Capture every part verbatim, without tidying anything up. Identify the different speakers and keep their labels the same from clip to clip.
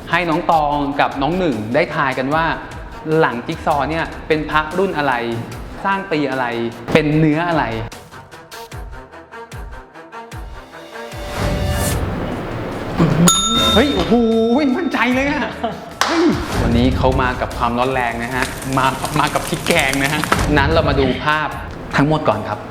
Speaker 1: ให้น้องตองกับน้องหนึ่งได้ทายกันว่าหลังจิ๊กซอว์เนี่ยเป็นพระรุ่นอะไรสร้างปีอะไรเป็นเนื้ออะไรเฮ้ยโอ้โหมั่นใจเลยอะวันนี้เขามากับความร้อนแรงนะฮะมามากับพริกแกงนะฮะนั้นเรามาดูภาพทั้งหมดก่อนครับ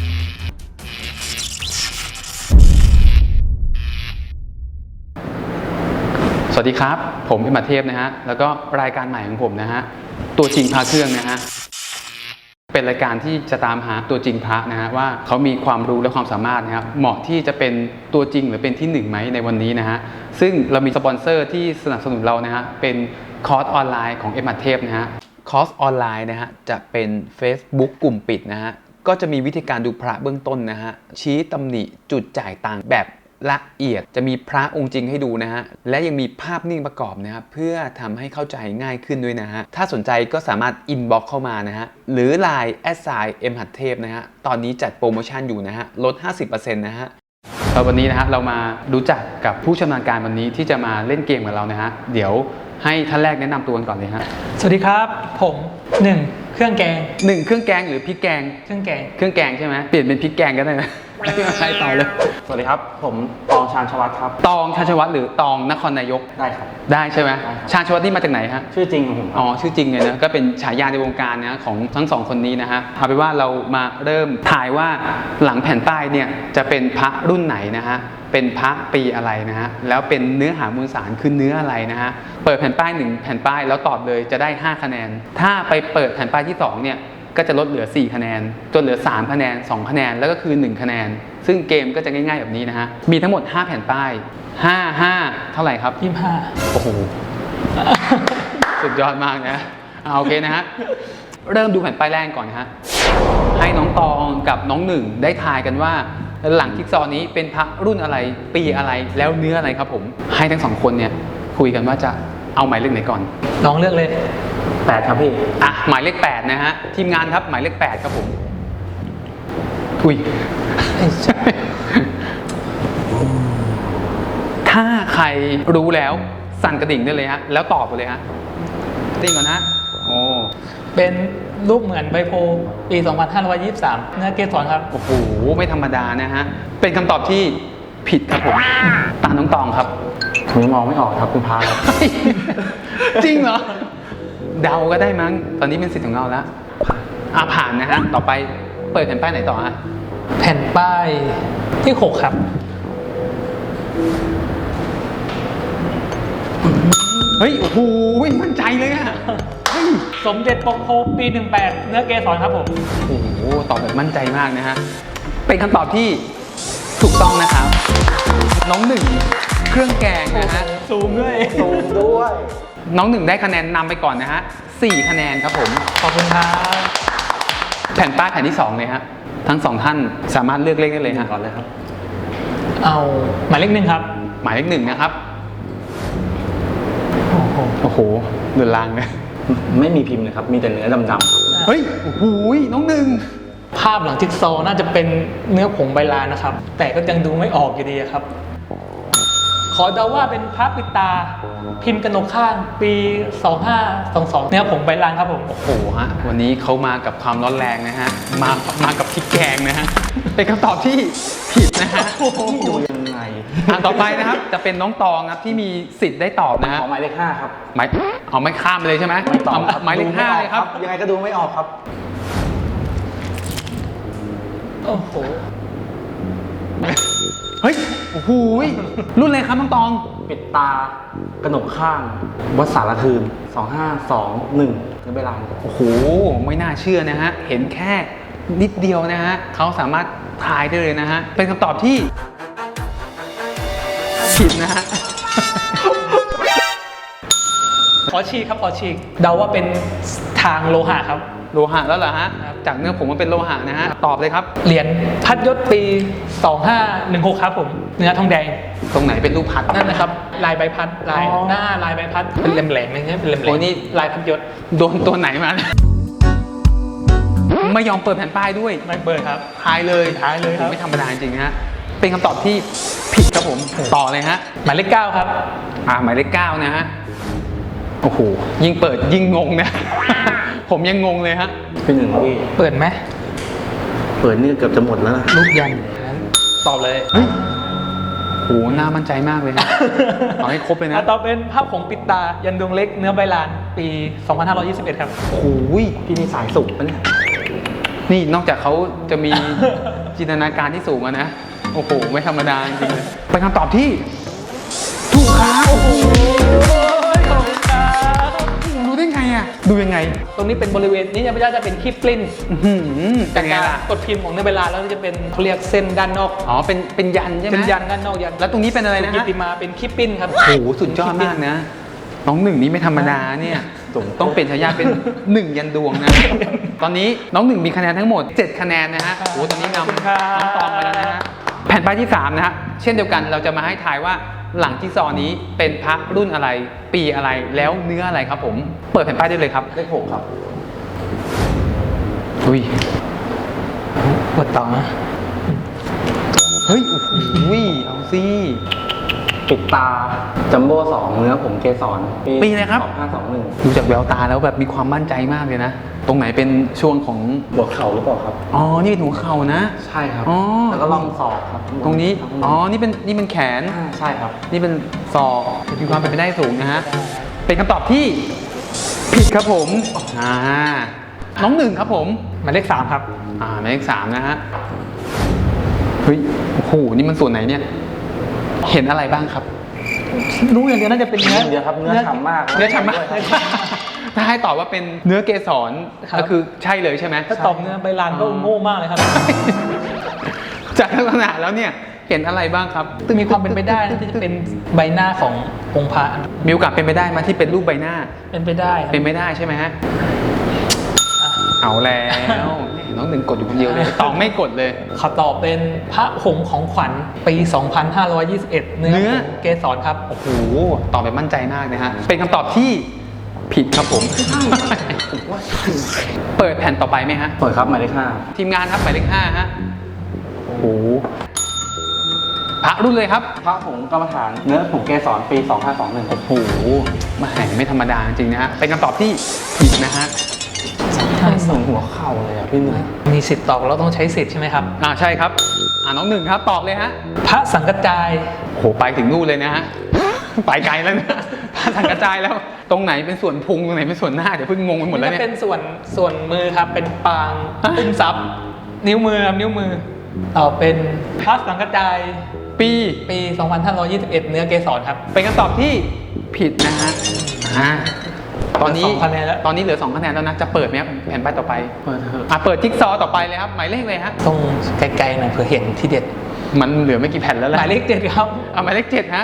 Speaker 1: สวัสดีครับผมเอ็ม เทพนะฮะแล้วก็รายการใหม่ของผมนะฮะตัวจริงพระเครื่องนะฮะเป็นรายการที่จะตามหาตัวจริงพระนะฮะว่าเขามีความรู้และความสามารถนะครับเหมาะที่จะเป็นตัวจริงหรือเป็นที่หนึ่งไหมในวันนี้นะฮะซึ่งเรามีสปอนเซอร์ที่สนับสนุนเรานะฮะเป็นคอร์สออนไลน์ของเอ็ม เทพนะฮะคอร์สออนไลน์นะฮะจะเป็น Facebook กลุ่มปิดนะฮะก็จะมีวิธีการดูพระเบื้องต้นนะฮะชี้ตำหนิจุดจ่ายตังค์แบบละเอียดจะมีพระองค์จริงให้ดูนะฮะและยังมีภาพนิ่งประกอบนะครับเพื่อทำให้เข้าใจง่ายขึ้นด้วยนะฮะถ้าสนใจก็สามารถอินบ็อกซ์เข้ามานะฮะหรือ ไลน์ แอท ไซน์ เอ็ม เทพนะฮะตอนนี้จัดโปรโมชั่นอยู่นะฮะลด ห้าสิบเปอร์เซ็นต์ นะฮะแล้ววันนี้นะฮะเรามารู้จักกับผู้ชำนาญการวันนี้ที่จะมาเล่นเกมกับเรานะฮะเดี๋ยวให้ท่านแรกแนะนำตัวกันก่อนเลยฮะ
Speaker 2: สวัสดีครับผมหนึ่งเครื่องแกง
Speaker 1: หนึ่งเครื่องแกงหรือพริกแกง
Speaker 2: เครื่องแกง
Speaker 1: เครื่องแกงใช่ไหมเปลี่ยนเป็นพริกแกงก็ได้นะใครต่อเลย
Speaker 3: สวัสดีครับผมตองชาญชวัฒน์ครับ
Speaker 1: ตองชาญชวัฒน์หรือตองนครนายก
Speaker 3: ได้ครับ
Speaker 1: ได้ใช่ไหมชาญชวัฒน์นี่มาจากไหนฮะ
Speaker 3: ชื่อจริงของผม
Speaker 1: อ๋อชื่อจริงเลยนะก็เป็นฉายาในวงการนะของทั้งสองคนนี้นะฮะเอาเป็นว่าเรามาเริ่มถ่ายว่าหลังแผ่นป้ายเนี่ยจะเป็นพระรุ่นไหนนะฮะเป็นพระปีอะไรนะฮะแล้วเป็นเนื้อหามวลสารคือเนื้ออะไรนะฮะเปิดแผ่นป้ายหนึ่งแผ่นป้ายแล้วตอบเลยจะได้ห้าคะแนนถ้าไปเปิดแผ่นป้ายที่สองเนี่ยก็จะลดเหลือสี่คะแนนจนเหลือสามคะแนนสองคะแนนแล้วก็คือหนึ่งคะแนนซึ่งเกมก็จะง่ายๆแบบนี้นะฮะมีทั้งหมดห้าแผ่นป้ายห้า ห้าเท่าไหร่ครับ
Speaker 2: ยี่สิบห้า
Speaker 1: โอ้โหสุดยอดมากนะเอาโอเคนะฮะเริ่มดูแผ่นป้ายแรกก่อนนะฮะให้น้องตองกับน้องหนึ่งได้ทายกันว่าหลังจิ๊กซอว์นี้เป็นพระรุ่นอะไรปีอะไรแล้วเนื้ออะไรครับผมให้ทั้งสองคนเนี่ยคุยกันว่าจะเอาหมายเลขไหนก่อน
Speaker 2: น้องเลือกเลย
Speaker 3: แปดครับพี่
Speaker 1: อ่ะหมายเลขแปดนะฮะทีมงานครับหมายเลขแปดครับผมอุ้ยถ้าใครรู้แล้วสั่นกระดิ่งได้เลยฮะแล้วตอบไปเลยฮะติ้งก่อนนะโอ้
Speaker 2: เป็นรูปเหมือนใบโพปี สองพันห้าร้อยยี่สิบสาม เนื้อเกสรครับ
Speaker 1: โอ้โหไม่ธรรมดานะฮะเป็นคำตอบที่ผิดครับผมตาน้องตองครับ
Speaker 3: ผมมองไม่ออกครับคุณพาครับ
Speaker 1: จริงเหรอเดาก็ได้มั้งตอนนี้เป็นสิทธิ์ของเราแล้วอ่ะผ่านนะฮะต่อไปเปิดแผ่นป้ายไหนต่อฮะ
Speaker 2: แผ่นป้ายที่หกครับ
Speaker 1: เฮ้ยโอ้โหมั่นใจเลยอะ
Speaker 2: สมเด็จปกโพปีหนึ่งแปดเนื้อเกสรครับผม
Speaker 1: โอ้โหตอบแบบมั่นใจมากนะฮะเป็นคำตอบที่ถูกต้องนะครับน้องหนึ่งเครื่องแกงนะฮะ
Speaker 2: ซูมด้วย
Speaker 3: ซูมด้วย
Speaker 1: น้องหนึ่งได้คะแนนนำไปก่อนนะฮะสี่คะแนนครับผม
Speaker 2: ขอบคุณครับ
Speaker 1: แผ่นป้ายแผ่นที่สองเลยฮะทั้งสองท่านสามารถเลือกเลขได้เลยฮะ
Speaker 3: ก่อนเลยครับ
Speaker 2: เอาหมายเลขหนึ่งครับ
Speaker 1: หมายเลขหนึ่งนะครับโอ้โหเดือดรางเลย
Speaker 3: ไม่มีพิมพ์เลยครับมีแต่เนื้อดำ
Speaker 1: ๆเฮ้ยโอ้โหน้องหนึ่ง
Speaker 2: ภาพหลังจิ๊กซอว์น่าจะเป็นเนื้อผงใบลานนะครับแต่ก็ยังดูไม่ออกอยู่ดีครับขอเดาว่าเป็นพระปิดตาพิมพ์กนกข้างปีสองห้าสองสองเนื้อผงใบลานครับผม
Speaker 1: โอ้โหฮะวันนี้เขามากับความร้อนแรงนะฮะมามากับพริกแกงนะฮะเป็นคำตอบที่ผิดนะฮะ
Speaker 3: ดูยังไง
Speaker 1: อ่าต่อไปนะครับจะเป็นน้องตองครับที่มีสิทธิ์ได้ตอบนะฮะ
Speaker 3: หมายเลขห้าครับ
Speaker 1: หมายเอาไม่ข้ามไปเลยใช่ไหม
Speaker 3: ไม่ตอบ
Speaker 1: หมายเลขห้าเลยครับ
Speaker 3: ยังไงก็ดูไม่ออกครับ
Speaker 2: โอ้โห
Speaker 1: เฮ้ยโอ้โหรุ่นอะไรครับน้องตอง
Speaker 3: ปิดตากระหนกข้างวัดสารคืนสองห้าสองหนึ่งในเวลา
Speaker 1: โอ้โหไม่น่าเชื่อนะฮะเห็นแค่นิดเดียวนะฮะเขาสามารถทายได้เลยนะฮะเป็นคำตอบที่ผิดนะฮะ
Speaker 2: ขอฉีกครับขอฉีกเดาว่าเป็นทางโลหะครับ
Speaker 1: โลหะแล้วเหรอฮะจากเนื้อผงมันเป็นโลหะนะฮะตอบเลยครับ
Speaker 2: เหรียญพัดยศปีสองห้าหนึ่งหกครับผมเนื้อทองแดง
Speaker 1: ตรงไหนเป็นรูปพัด
Speaker 2: นั่นนะครับลายใบพัดลายหน้าลายใบพัดเป็นแหลมๆอย่างเงี้ยเป็นแหลมๆโอ้นี่ลายพัดยศ
Speaker 1: โดนตัวไหนมาไม่ยอมเปิดแผ่นป้ายด้วย
Speaker 2: ไม่เปิดครับ
Speaker 1: ทายเลย
Speaker 2: ทายเลยครับ
Speaker 1: ไม่ธรรมดาจริงฮะเป็นคำตอบที่ผิดครับผมต่อเลยฮะ
Speaker 2: หมายเลขเก้าครับ
Speaker 1: อ่าหมายเลขเก้านะฮะโอ้โหยิ่งเปิดยิ่งงงนะ ผมยังงงเลยฮะ
Speaker 3: พี่หนึ่งพี่
Speaker 2: เปิดไหม
Speaker 3: เปิดนี่เกือบจะหมดแล้วนะ
Speaker 2: รูปยันงั้นตอบเลย
Speaker 1: เฮ้ยโหน่ามั่นใจมากเลยฮะ เอาให้ครบเลยนะ
Speaker 2: อ่ะต่อเป็นภาพผงปิดตายันดวงเล็กเนื้อใบลานปี สองพันห้าร้อยยี่สิบเอ็ด ครับ
Speaker 1: โอ้โห
Speaker 3: พี่นี่สายสุกปะเนี่ย
Speaker 1: นี่นอกจากเขาจะมี จินตนาการที่สูงอะนะ โอ้โห ไม่ธรรมดาจริงๆเลยเป็นคำตอบที่ถูกครับโอ้โห
Speaker 2: ขอบคุณครับ
Speaker 1: รู้ได้ไงอะดูยังไง
Speaker 2: ตรงนี้เป็นบริเวณนี้จะไม่ได้จะเป็นคีบกลิ้น
Speaker 1: อื้อหือเป็
Speaker 2: จาน ก
Speaker 1: ไง
Speaker 2: การ
Speaker 1: ล่ะ
Speaker 2: กดพิมพ์ของเนื้อใบลานแล้วจะเป็นเขาเรียกเส้นด้านนอก
Speaker 1: อ๋อเป็นเป็นยันใช่ไหม
Speaker 2: เป็นยันด้านนอกยัน
Speaker 1: แล้วตรงนี้เป็นอะไรนะ
Speaker 2: กิ
Speaker 1: ฮะ
Speaker 2: ติมาเป็นคีบปิ้นครับ
Speaker 1: โอ้โหสุดยอดมากนะ น้องหนึ่งนี่ไม่ธรรมดาเนี่ยต้องเป็นฉายาเป็นหนึ่งยันดวงนะ ตอนนี้น้องหนึ่งมีคะแนนทั้งหมดเจ็ดคะแนนนะฮะโอ้โหตอนนี้นำ
Speaker 2: ขอบคุณครับ
Speaker 1: น้องตองไปแล้วนะฮะแผ่นป้ายที่สามนะฮะเช่นเดียวกันเราจะมาให้ทายว่าหลังจิ๊กซอว์นี้เป็นพระรุ่นอะไร ปีอะไรแล้วเนื้ออะไรครับผมเปิดแผ่นป้ายได้เลยครับ
Speaker 3: เลขหกครับ
Speaker 1: อุ้ย
Speaker 2: เปิดต่อนะ
Speaker 1: เฮ้ยโอ้โหเอาสิ
Speaker 3: ปิดตาจัมโบ้สองเนื้อผมเกสร
Speaker 1: ปีอะไรครับ
Speaker 3: สองห้าสองหนึ่ง
Speaker 1: ดูจากแววตาแล้วแบบมีความมั่นใจมากเลยนะตรงไหนเป็นช่วงของ
Speaker 3: หัวเข่าหรือเปล่าครับ
Speaker 1: อ๋อนี่เป็นหัวเข่านะ
Speaker 3: ใช่ครับ
Speaker 1: อ๋อ
Speaker 3: แล้วก็ล่องศอกครับ
Speaker 1: ตรงนี้ อ๋อ นี่เป็น นี่เป็นแขน
Speaker 3: อ่าใช่ครับ
Speaker 1: นี่เป็นศอกมีความเป็นไปได้สูงนะฮะ เป็นคำตอบที่ผิดครับผม อ่า น้องหนึ่งครับผม
Speaker 2: หมายเลขสามครับ
Speaker 1: อ่าหมายเลขสามนะฮะ เฮ้ย โอ้โห นี่มันส่วนไหนเนี่ย เห็นอะไรบ้างครับ
Speaker 2: รู้อย่างเดียวน่าจะเป็นเนื้อ
Speaker 3: เดี๋ยวครับเนื้อฉ่ำมาก
Speaker 1: เนื้อฉ่ำมาก
Speaker 3: ด้วยครับ
Speaker 1: ถ้าให้ตอบว่าเป็นเนื้อเกสร
Speaker 2: ครับ
Speaker 1: ก็คือใช่เลยใช่ไหม
Speaker 2: ถ้าตอบเนื้อใบลานก็โง่มากเลยครับ
Speaker 1: จากลักษณะแล้วเนี่ย เห็นอะไรบ้างครับ
Speaker 2: มีความเป็นไปได้นะที่จะเป็นใบหน้าขององค์พระ
Speaker 1: มีโอกาสเป็นไปได้ไหมาที่เป็นรูปใบหน้า
Speaker 2: เป็นไปได้ครับ
Speaker 1: เป็นไม่ได้ใช่ไหมฮะ เอาแล้ว น้องหนึ่งกดอยู่คนเดียวเลย ตองไม่กดเลย
Speaker 2: ขอตอบเป็นพระผงของขวัญปี สองพันห้าร้อยยี่สิบเอ็ด เนื้อ
Speaker 1: เนื้อ
Speaker 2: ผงเกสรครับ
Speaker 1: โอ้โห ตอบแบบมั่นใจมากนะฮะ เป็นคำตอบที่ผิดครับผม เปิดแผ่นต่อไปไหมฮะ
Speaker 3: เปิดครับหมายเลขห้า
Speaker 1: ทีมงานครับหมายเลขห้าฮะ โอ้โห พระรุ่นเลยครับ
Speaker 3: พระผงกรรมฐานเนื้อผมเกสรปีสองห้าสองหนึ่ง
Speaker 1: โอ้โหแหมาไม่ธรรมดาจริงๆนะฮะ เป็นคำตอบที่ผิดนะฮะ
Speaker 3: เหมือนหัวเข่าเลยอ่ะพี่หนึ่ง
Speaker 2: มีสิทธิ์ตอบเราต้องใช้สิทธิ์ใช่ไหมครับ
Speaker 1: อ่าใช่ครับ อ่าน้องหนึ่งครับ ตอบเลยฮะ
Speaker 2: พระสังกจาย
Speaker 1: โอ้โห ไปถึงนู่นเลยนะฮะ ไปไกลแล้วนะ พระสังกระจายแล้ว ตรงไหนเป็นส่วนพุง ตรงไหนเป็นส่วนหน้า เดี๋ยวเพิ่งงงไปหมดแล้วเนี่ย
Speaker 2: เป็นส่วนส่วนมือครับ เป็นปางอุ้มทรัพย์ นิ้วมือครับนิ้วมือตอบเป็นพระสังกจาย
Speaker 1: ปี
Speaker 2: ปี สองพันห้าร้อยยี่สิบเอ็ด เนื้อเกสรครับ
Speaker 1: เป็นคำตอบที่ผิดนะฮะ อ่า ตอนนี้
Speaker 2: เหลือสองคะแนนแล้ว
Speaker 1: ตอนนี้เหลือสองคะแนนแล้วนะ จะเปิดไหมครับแผ่นป้ายต่อไป
Speaker 3: เปิดเถอะ
Speaker 1: อ่ะ เปิดจิ๊กซอว์ต่อไปเลยครับ หมายเลขเลยฮะ
Speaker 2: ต้องไกลๆหน่อยเผื่อเห็นที่เด็ด
Speaker 1: มันเหลือไม่กี่แผ่นแล้วแห
Speaker 2: ห
Speaker 1: ละ
Speaker 2: มายเลขเจ็ดครับ
Speaker 1: อ่ะหมายเลขเจ็ดฮะ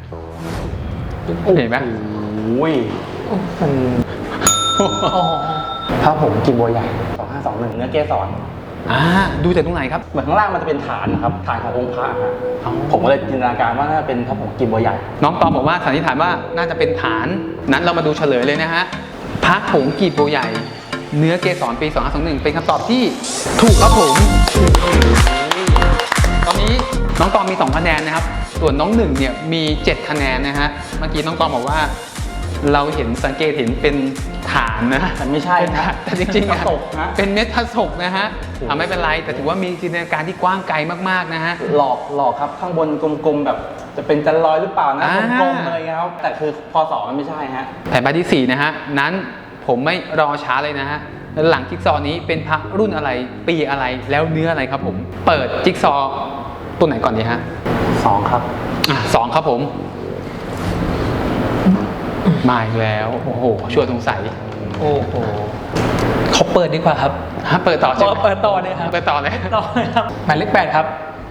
Speaker 1: เห็นไหม
Speaker 3: โอ้ย
Speaker 2: มัน อ๋อ
Speaker 3: พระผงกินบัวใหญ่สองห้าสองหนึ่งเนื้อเกสร
Speaker 1: อ่า ดูจากตรงไหนครับ
Speaker 3: เหมือนข้างล่างมันจะเป็นฐานนะครับ ฐานขององค์พระฮะ
Speaker 1: อ๋อ
Speaker 3: ผมก็เลยจินตนาการว่าน่าจะเป็นพระผงกินบัวใหญ่
Speaker 1: น้องตอมบอกว่าสันนิษฐานว่าน่าจะเป็นฐาน นั้นเรามาดูเฉลยเลยนะฮะ พระผงกีบโบใหญ่ เนื้อเกสรปีสองห้าสองหนึ่งเป็นคำตอบที่ถูกครับผม ตอนนี้น้องตอมมีสองคะแนนนะครับ ส่วนน้องหนึ่งเนี่ยมีเจ็ดคะแนนนะฮะ เมื่อกี้น้องตอมบอกว่า เราเห็นสังเกตเห็นเป็นฐานนะ
Speaker 3: แต่ไม่ใช่
Speaker 1: เป็น
Speaker 3: นะ
Speaker 1: ฐานแต่จริงๆ
Speaker 3: พระศกนะ
Speaker 1: เป็นเม็ดพระศกนะฮะอ่ะไม่เป็นไร แต่ถือว่ามีจินตนาการที่กว้างไกลมากๆนะฮะ
Speaker 3: หลอกหลอกครับข้างบนกลมๆแบบจะเป็นจันลอยหรือเปล่านะ
Speaker 1: อ่า
Speaker 3: กลมๆอะไรเงี้ยครับแต่คือพอสองมันไม่ใช่ฮะ
Speaker 1: แผ่นป้ายที่สี่นะฮะ นั้นผมไม่รอช้าเลยนะฮะ หลังจิ๊กซอว์นี้เป็นพระรุ่นอะไร ปีอะไร แล้วเนื้ออะไรครับผม เปิดจิ๊กซอว์ตัวไหนก่อนดีฮะ
Speaker 3: สองครับ
Speaker 1: อ่ะสองครับผม มาอีกแล้ว โอ้โหชวนสงสัย
Speaker 2: โอ้โหเขาเปิดดีกว่าครับ
Speaker 1: ฮะเปิดต่อใช่ไหม
Speaker 2: เปิดต่อเลยครับ
Speaker 1: เปิดต่อเลย
Speaker 2: ต่อเลยครับ หมายเลขแปดครับ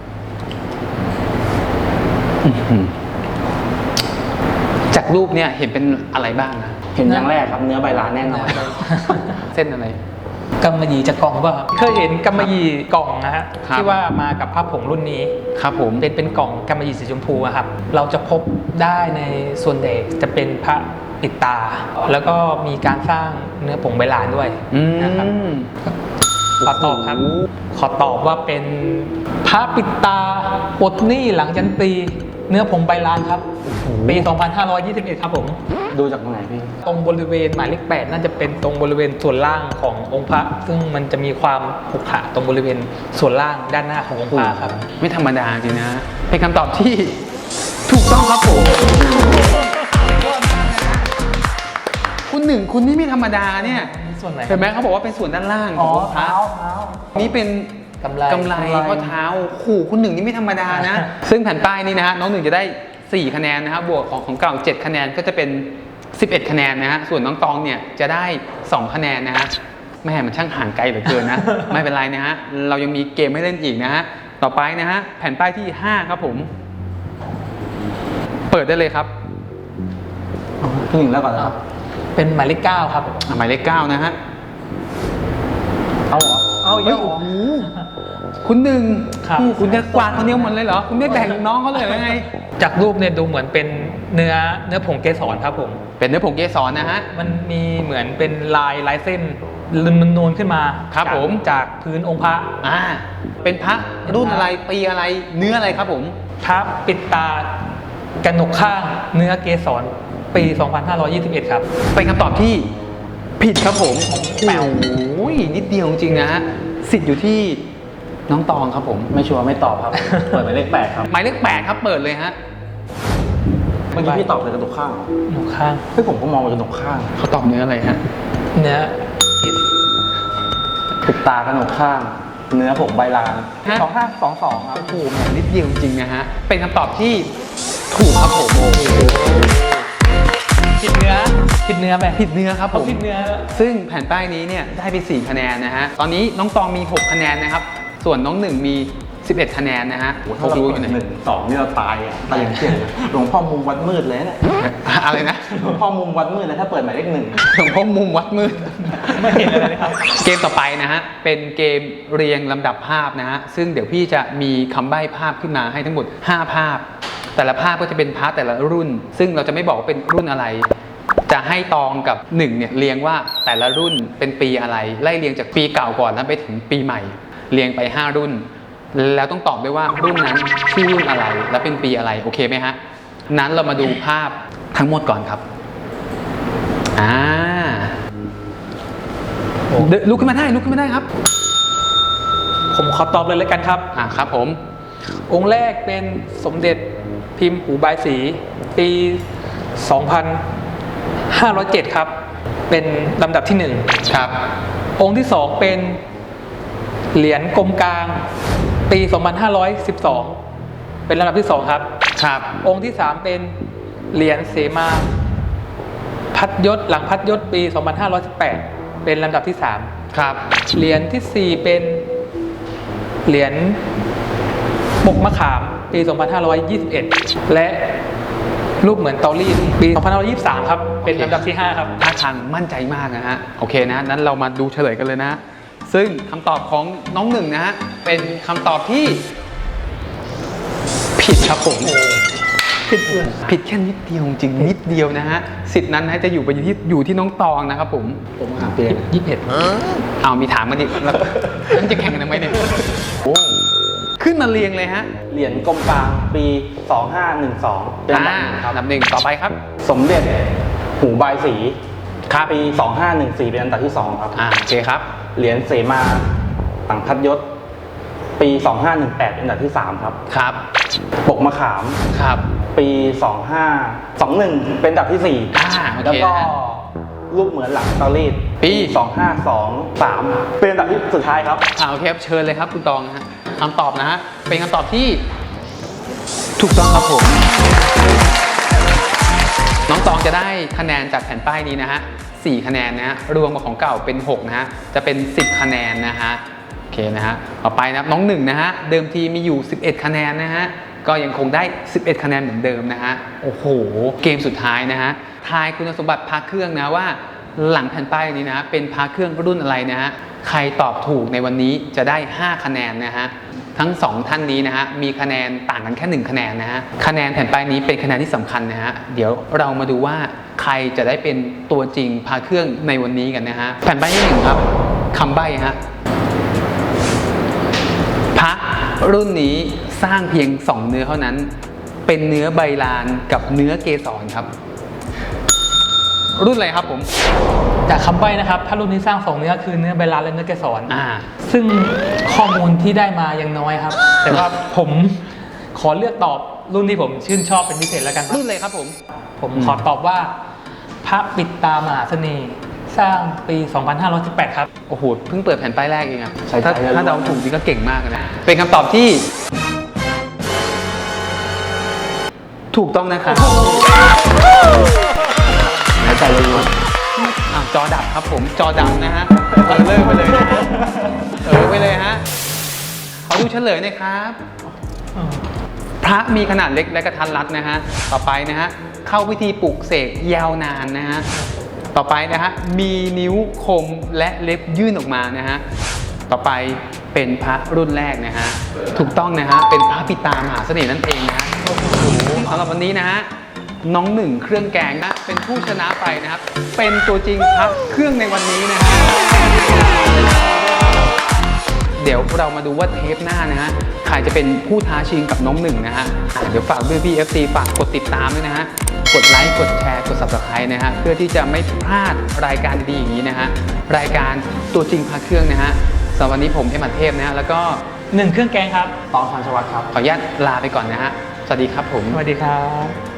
Speaker 1: อื้อหือจากรูปเนี่ยเห็นเป็นอะไรบ้างนะ
Speaker 3: เห็นอย่างแรกครับเนื้อใบลานแน่นอน
Speaker 1: เส้นอะไร
Speaker 2: กำมะหยี่จากกล่องป่ะครับเคยเห็นกำมะหยี่กล่องนะฮะ
Speaker 1: ครับ
Speaker 2: ที่ว่ามากับผ้าผงรุ่นนี้
Speaker 1: ครับผม
Speaker 2: เป็นเป็นกล่องกำมะหยี่สีชมพูอะครับ เราจะพบได้ในส่วนใหญ่จะเป็นพระปิดตา แล้วก็มีการสร้างเนื้อผงใบลานด้วย
Speaker 1: อื
Speaker 2: นะครับ
Speaker 1: ม
Speaker 2: ขอตอบครับ ขอตอบว่าเป็นพระปิดตาปลดหนี้หลังยันตี เนื้อผงใบลานครับ ปี สองพันห้าร้อยยี่สิบเอ็ด ครับผม
Speaker 3: ดูจากตรงไหนพี่
Speaker 2: ตรงบริเวณหมายเลขแปดน่าจะเป็นตรงบริเวณส่วนล่างขององค์พระ ซึ่งมันจะมีความขรุขระตรงบริเวณส่วนล่างด้านหน้าขององค์พระครับ
Speaker 1: ไม่ธรรมดาจริงนะ เป็นคำตอบที่ถูกต้องครับผม คุณหนึ่งคุณนี่ไม่ธรรมดาเนี่ย
Speaker 2: ส่วนไหน
Speaker 1: เห็นไหมเขาบอกว่าเป็นส่วนด้านล่างขององค์พระ
Speaker 3: เท้า
Speaker 1: นี่เป็น
Speaker 2: กำไร
Speaker 1: กำไรข้อเท้าขู่คุณหนึ่งนี่ไม่ธรรมดานะ ซึ่งแผ่นป้ายนี้นะฮะน้องหนึ่งจะได้สี่คะแนนนะครับบวกของของเก่าเจ็ดคะแนนก็จะเป็นสิบเอ็ดคะแนนนะฮะส่วนน้องตองเนี่ยจะได้สองคะแนนนะฮะแม่มันช่างห่างไกลเหลือเกินนะ ไม่เป็นไรนะฮะเรายังมีเกมให้เล่นอีกนะฮะต่อไปนะฮะแผ่นป้ายที่ห้าครับผม เปิดได้เลยครับ
Speaker 3: พี่หนึ่งแล้วก่อนนะครับ
Speaker 2: เป็นหมายเลขเก้าครับ
Speaker 1: อ่ะหมายเลขเก้านะฮะ
Speaker 3: เอาเหรอ เอาเย
Speaker 1: เฮ้ย
Speaker 3: อะเหร
Speaker 1: โอ้
Speaker 3: อ
Speaker 1: โหคุณหนึ่ง
Speaker 2: ครับ
Speaker 1: คุณจะกวาดคนเดียวหมดเลยเหรอคุณไม่แบ่งน้องเขาเลยหรือไง
Speaker 2: จากรูปเนี่ยดูเหมือนเป็นเนื้อเนื้อผงเกสรครับผม
Speaker 1: เป็นเนื้อผงเกสรนะฮะ
Speaker 2: มันมีเหมือนเป็นลายลายเส้นนูนๆขึ้นมา
Speaker 1: ครับ
Speaker 2: จาก
Speaker 1: ผม
Speaker 2: จากพื้นองค์พระ
Speaker 1: อ่า เป็นพระรุ่นอะไรปีอะไรเนื้ออะไรครับผม
Speaker 2: พระปิดตากระหนกข้างเนื้อเกสรปี สองพันห้าร้อยยี่สิบเอ็ด ครับ
Speaker 1: เป็นคำตอบที่ผิดครับผมแปวโอ้ยนิดเดียวจริงๆนะฮะสิทธิ์อยู่ที่น้องตองครับผม
Speaker 3: ไม่ชัวร์ไม่ตอบครับ เปิดหมายเลขแปดครับ
Speaker 1: หมายเลขแปดครับเปิดเลยฮะ
Speaker 3: เมื่อกี้พี่ตอบเป็นกระดูกข้างเหรอก
Speaker 2: ระหนกข้าง
Speaker 3: เฮ้ยผมก็มองเป็นกระดูกข้าง
Speaker 1: เขาตอบเนื้ออะไรฮะ
Speaker 2: เนื้อ
Speaker 3: ปิดตากระดูกข้าง เนื้อผมใบลาน
Speaker 1: ฮะ
Speaker 3: สองห้าสองสองครับ
Speaker 1: โอ้โหแหมนิดเดียวจริงๆนะฮะ เป็นคำตอบที่ถูกครับผม
Speaker 2: ผิดเนื้อผิดเนื้อไป
Speaker 1: ผิดเนื้อครับผ
Speaker 2: เขา
Speaker 1: ม
Speaker 2: ผิดเนื้อ
Speaker 1: ซึ่งแผ่นป้ายนี้เนี่ยได้ไปสี่คะแนนนะฮะ ตอนนี้น้องตองมีหกคะแนนนะครับ ส่วนน้องหนึ่งมีสิบเอ็ดคะแนนนะฮะ
Speaker 3: โอ้โห
Speaker 1: เขา
Speaker 3: ถ้าเรา
Speaker 1: รู้อ
Speaker 3: เปิ
Speaker 1: ยู่
Speaker 3: ด
Speaker 1: ไหน
Speaker 3: หนึ่งสองนี่เราตายอ่ะตายอย่างเที่ยงเลยหลวงพ่อมุมวัดมืดเลยเนี่ย
Speaker 1: อะไรนะ
Speaker 3: หลวงพ่อมุมวัดมืดเลยถ้าเปิดหมายเลขหนึ่ง
Speaker 1: หลวงพ่อมุมวัดมืด
Speaker 2: ไม่เห็นอะไรเลยครับ
Speaker 1: เกมต่อไปนะฮะ เป็นเกมเรียงลำดับภาพนะฮะ ซึ่งเดี๋ยวพี่จะมีคำใบ้ภาพขึ้นมาให้ทั้งหมดห้าภาพ แต่ละภาพก็จะเป็นพาร์ทแต่ละรุ่น ซึ่งเราจะไม่บอกว่าเป็นรุ่นอะไร จะให้ตองกับหนึ่งเนี่ยเรียงว่าแต่ละรุ่นเป็นปีอะไร ไล่เรียงจากปีเก่าก่อนแล้วไปถึงปีใหม่ เรียงไปห้ารุ่น แล้วต้องตอบด้วยว่ารุ่นนั้นชื่อรุ่นอะไร และเป็นปีอะไร โอเคไหมฮะ นั้นเรามาดูภาพทั้งหมดก่อนครับ อ่า เดินลุกขึ้นมาได้ลุกขึ้นมาได้ครับ
Speaker 2: ผมขอตอบเลยแล้วกันครับ
Speaker 1: อ่าครับผม
Speaker 2: องค์แรกเป็นสมเด็จพิมพ์หูบายสี ปี สองพันห้าร้อยเจ็ด ครับ เป็นลำดับที่หนึ่ง
Speaker 1: ครับ
Speaker 2: องค์ที่สองเป็นเหรียญกลมกลาง ปี สองพันห้าร้อยสิบสอง เป็นลำดับที่สองครับ
Speaker 1: ครับ
Speaker 2: องค์ที่สามเป็นเหรียญเสมา พัดยศหลังพัดยศปี สองพันห้าร้อยสิบแปด เป็นลำดับที่สาม
Speaker 1: ครับ
Speaker 2: เหรียญที่สี่เป็นเหรียญปกมะขาม ปี สองพันห้าร้อยยี่สิบเอ็ด และรูปเหมือนเตารีดปี สองพันห้าร้อยยี่สิบสาม ครับ เป็นลำดับที่ห้าครับ
Speaker 1: ท่าทางมั่นใจมากนะฮะ โอเคนะ นั้นเรามาดูเฉลยกันเลยนะ ซึ่งคำตอบของน้องหนึ่งนะฮะ เป็นคำตอบที่ ผิดครับผม
Speaker 2: ผิดเลย
Speaker 1: ผิดแค่นิดเดียวจริงๆนิดเดียวนะฮะ สิทธิ์นั้นนะจะอยู่ไปอยู่ที่อยู่ที่น้องตองนะครับผม
Speaker 3: ผมหาเปลี่ยน
Speaker 2: ยี่สิบเอ็ด
Speaker 1: เอามีถามมาดิแล้วมันจะแข่งกันทำไมเนี่ยโอ้ขึ้นมาเรียงเลยฮะ
Speaker 3: เหรียญกลมกลางปี สองห้าหนึ่งสอง เป็นอันดับ
Speaker 1: อ่า
Speaker 3: หนึ่งครับ
Speaker 1: อันดับหนึ่งต่อไปครับ
Speaker 3: สมเด็จหูบายสี
Speaker 1: ครับ
Speaker 3: ปี สองห้าหนึ่งสี่ เป็นอันดับที่สองครับ
Speaker 1: อ่าโอเคครับ
Speaker 3: เหรียญเสมาต่างพัดยศ ปี สองห้าหนึ่งแปด เป็นอันดับที่สามครับ
Speaker 1: ครับ
Speaker 3: ปกมะขาม
Speaker 1: ครับ
Speaker 3: ปี สองห้าสองหนึ่ง เป็นอันดับที่สี่
Speaker 1: อ่าโอเค
Speaker 3: แล้วก็
Speaker 1: นะ
Speaker 3: รูปเหมือนหลังเตารีด
Speaker 1: ปี
Speaker 3: สองห้าสองสาม เป็นอันดับที่สุดท้ายครับ
Speaker 1: อ่าโอเคครับเชิญเลยครับคุณตองนะฮะคำตอบนะฮะเป็นคำตอบที่ถูกต้องครับผม น้องตองจะได้คะแนนจากแผ่นป้ายนี้นะฮะสี่คะแนนนะฮะรวมกับของเก่าเป็นหกนะฮะจะเป็นสิบคะแนนนะฮะโอเคนะฮะต่อไปนะครับน้องหนึ่งนะฮะเดิมทีมีอยู่สิบเอ็ดคะแนนนะฮะก็ยังคงได้สิบเอ็ดคะแนนเหมือนเดิมนะฮะโอ้โหเกมสุดท้ายนะฮะทายคุณสมบัติพระเครื่องนะว่าหลังแผ่นป้ายนี้นะฮะเป็นพระเครื่องรุ่นอะไรนะฮะใครตอบถูกในวันนี้จะได้ห้าคะแนนนะฮะทั้งสองท่านนี้นะฮะมีคะแนนต่างกันแค่หนึ่งคะแนนนะฮะคะแนนแผ่นป้ายนี้เป็นคะแนนที่สำคัญนะฮะเดี๋ยวเรามาดูว่าใครจะได้เป็นตัวจริงพระเครื่องในวันนี้กันนะฮะแผ่นป้ายที่หนึ่งครับคำใบ้ฮะรุ่นนี้สร้างเพียงสองเนื้อเท่านั้น เป็นเนื้อใบลานกับเนื้อเกสรครับ รุ่นอะไรครับผม
Speaker 2: จากคำใบ้นะครับ ถ้ารุ่นนี้สร้างสองเนื้อคือเนื้อใบลานและเนื้อเกสร
Speaker 1: อ่า
Speaker 2: ซึ่งข้อมูลที่ได้มายังน้อยครับ แต่ว่าผมขอเลือกตอบรุ่นที่ผมชื่นชอบเป็นพิเศษแล้วกันครับ
Speaker 1: รุ่นอะไรครับผม
Speaker 2: ผมขอตอบว่าพระปิดตามหาเสน่ห์สร้างปี สองพันห้าร้อยสิบแปด ครับ
Speaker 1: โอ้โห เพิ่งเปิดแผ่นป้ายแรกเองอะ
Speaker 3: ใช่
Speaker 1: ถ้า
Speaker 3: ใช่
Speaker 1: ถ้าเดาถูกนี่ก็เก่งมากเลยนะ เป็นคำตอบที่ ถูกต้องนะครับ
Speaker 3: หายใจเลยล้วน
Speaker 1: อ่ะจอดับครับผม จอดับนะฮะเออเลิกไปเลยนะฮะเออไปเลยฮะขอดูเฉลยหน่อยครับ พระมีขนาดเล็กและกระทัดรัดนะฮะ ต่อไปนะฮะ เข้าพิธีปลุกเสกยาวนานนะฮะ ต่อไปนะฮะ มีนิ้วคมและเล็บยื่นออกมานะฮะ ต่อไปเป็นพระรุ่นแรกนะฮะ ถูกต้องนะฮะ เป็นพระปิดตามหาเสน่ห์นั่นเองนะฮะสำหรับวันนี้นะฮะ น้องหนึ่งเครื่องแกงนะเป็นผู้ชนะไปนะครับ เป็นตัวจริงพระเครื่องในวันนี้นะฮะ เดี๋ยวเรามาดูว่าเทปหน้านะฮะ ใครจะเป็นผู้ท้าชิงกับน้องหนึ่งนะฮะอ่ะเดี๋ยวฝากด้วยพี่ เอฟ ซี ฝากกดติดตามด้วยนะฮะ กดไลค์ กดแชร์ กด ซับสไครบ์ นะฮะ เพื่อที่จะไม่พลาดรายการดีๆอย่างนี้นะฮะ รายการตัวจริงพาเครื่องนะฮะสำหรับวันนี้ผมเอ็มอันเทพนะฮะ แล้วก็
Speaker 2: หนึ่งเครื่องแกงครับ
Speaker 3: ตองพันชวัตครับ
Speaker 1: ขออนุญาตลาไปก่อนนะฮะ สวัสดีครับผม
Speaker 2: สวัสดีครับ